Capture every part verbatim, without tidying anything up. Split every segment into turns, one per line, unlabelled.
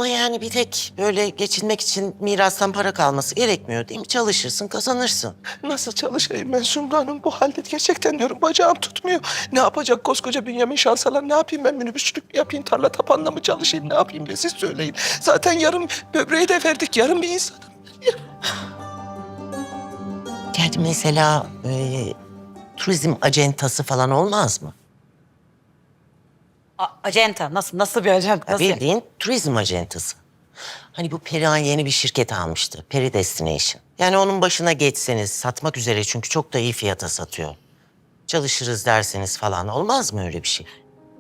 Ama yani bir tek böyle geçinmek için mirastan para kalması gerekmiyor değil mi? Çalışırsın, kazanırsın.
Nasıl çalışayım ben Sumru Hanım? Bu halde gerçekten diyorum bacağım tutmuyor. Ne yapacak koskoca Bünyamin Şansalan? Ne yapayım ben, minibüsçülük mü yapayım? Tarla tapanla mı çalışayım? Ne yapayım ben, siz söyleyin. Zaten yarım böbreği de verdik. Yarım bir insanım.
Yani mesela e, turizm acentası falan olmaz mı?
A- acenta nasıl nasıl bir acenta?
Ya
Nasıl?
bildiğin turizm acentası. Hani bu Perihan yeni bir şirket almıştı. Peri Destination. Yani onun başına geçseniz, satmak üzere çünkü çok da iyi fiyata satıyor. Çalışırız derseniz falan olmaz mı öyle bir şey?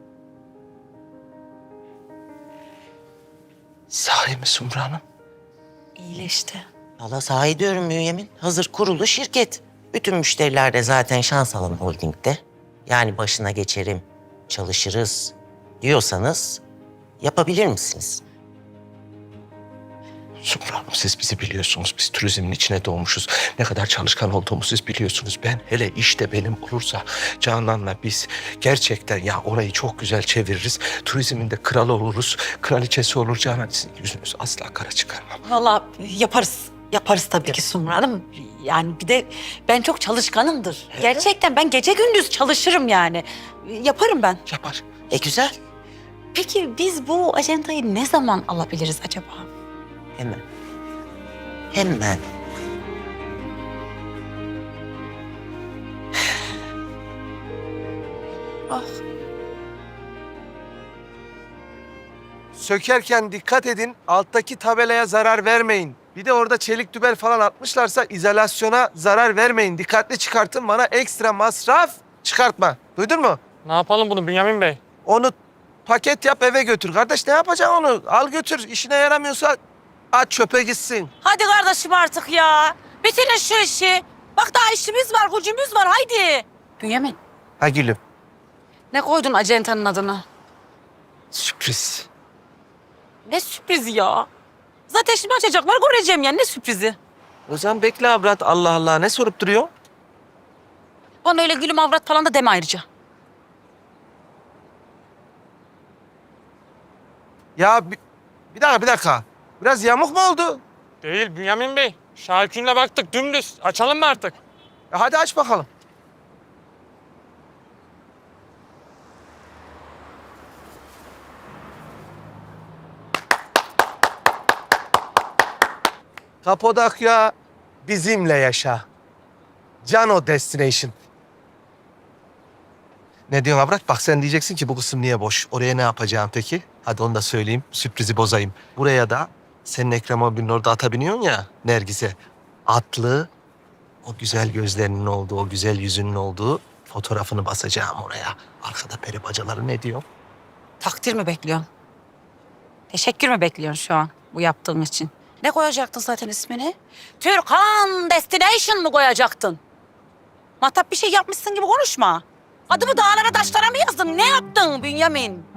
Sahi mi Sumru Hanım?
İyileşti.
Valla sahi diyorum Bünyamin. Hazır kurulu şirket. Bütün müşteriler de zaten Şansalan Holding'de. Yani başına geçerim, çalışırız diyorsanız yapabilir misiniz?
Sumru Hanım, siz bizi biliyorsunuz. Biz turizmin içine doğmuşuz. Ne kadar çalışkan olduğumuzu siz biliyorsunuz. Ben hele işte benim olursa Canan'la biz gerçekten ya orayı çok güzel çeviririz. Turizmin de kralı oluruz. Kraliçesi olur Canan. Sizin yüzünüz asla kara çıkarmam.
Vallahi yaparız. Yaparız tabii ki Sumru Hanım. Yani bir de ben çok çalışkanımdır. Gerçekten ben gece gündüz çalışırım yani. Yaparım ben.
Yapar.
E güzel.
Peki biz bu ajantayı ne zaman alabiliriz acaba?
Hemen. Hemen.
Ah.
Sökerken dikkat edin. Alttaki tabelaya zarar vermeyin. Bir de orada çelik dübel falan atmışlarsa izolasyona zarar vermeyin. Dikkatli çıkartın, bana ekstra masraf çıkartma. Duydun mu?
Ne yapalım bunu Bünyamin Bey?
Onu paket yap, eve götür. Kardeş ne yapacaksın onu? Al götür. İşine yaramıyorsa at çöpe gitsin.
Hadi kardeşim artık ya. Bitirin şu işi. Bak daha işimiz var, gücümüz var. Haydi. Bünyamin,
Ha gülüm.
ne koydun ajantanın adını?
Sürpriz.
Ne sürprizi ya? Zaten şimdi açacaklar, göreceğim ya. Ne sürprizi?
O zaman bekle avrat. Allah Allah, ne sorup duruyor?
Bana öyle gülüm avrat falan da deme ayrıca.
Ya bir, bir dakika bir dakika. Biraz yamuk mu oldu?
Değil Bünyamin Bey. Şahikünle baktık dümdüz. Açalım mı artık?
E hadi aç bakalım. Kapadokya bizimle yaşa. Cano Destination. Ne diyorsun Abrak? Bak sen diyeceksin ki bu kısım niye boş? Oraya ne yapacağım peki? Hadi onu da söyleyeyim. Sürprizi bozayım. Buraya da senin Ekrem abinin orada ata biniyorsun ya Nergis'e. Atlı, o güzel gözlerinin olduğu, o güzel yüzünün olduğu fotoğrafını basacağım oraya. Arkada peri bacaları ne diyor?
Takdir mi bekliyorsun? Teşekkür mü bekliyorsun şu an bu yaptığın için? Ne koyacaktın zaten ismini? Türkan Destination mı koyacaktın? Matap bir şey yapmışsın gibi konuşma. Adımı dağlara taşlara mı yazdın? Ne yaptın Bünyamin?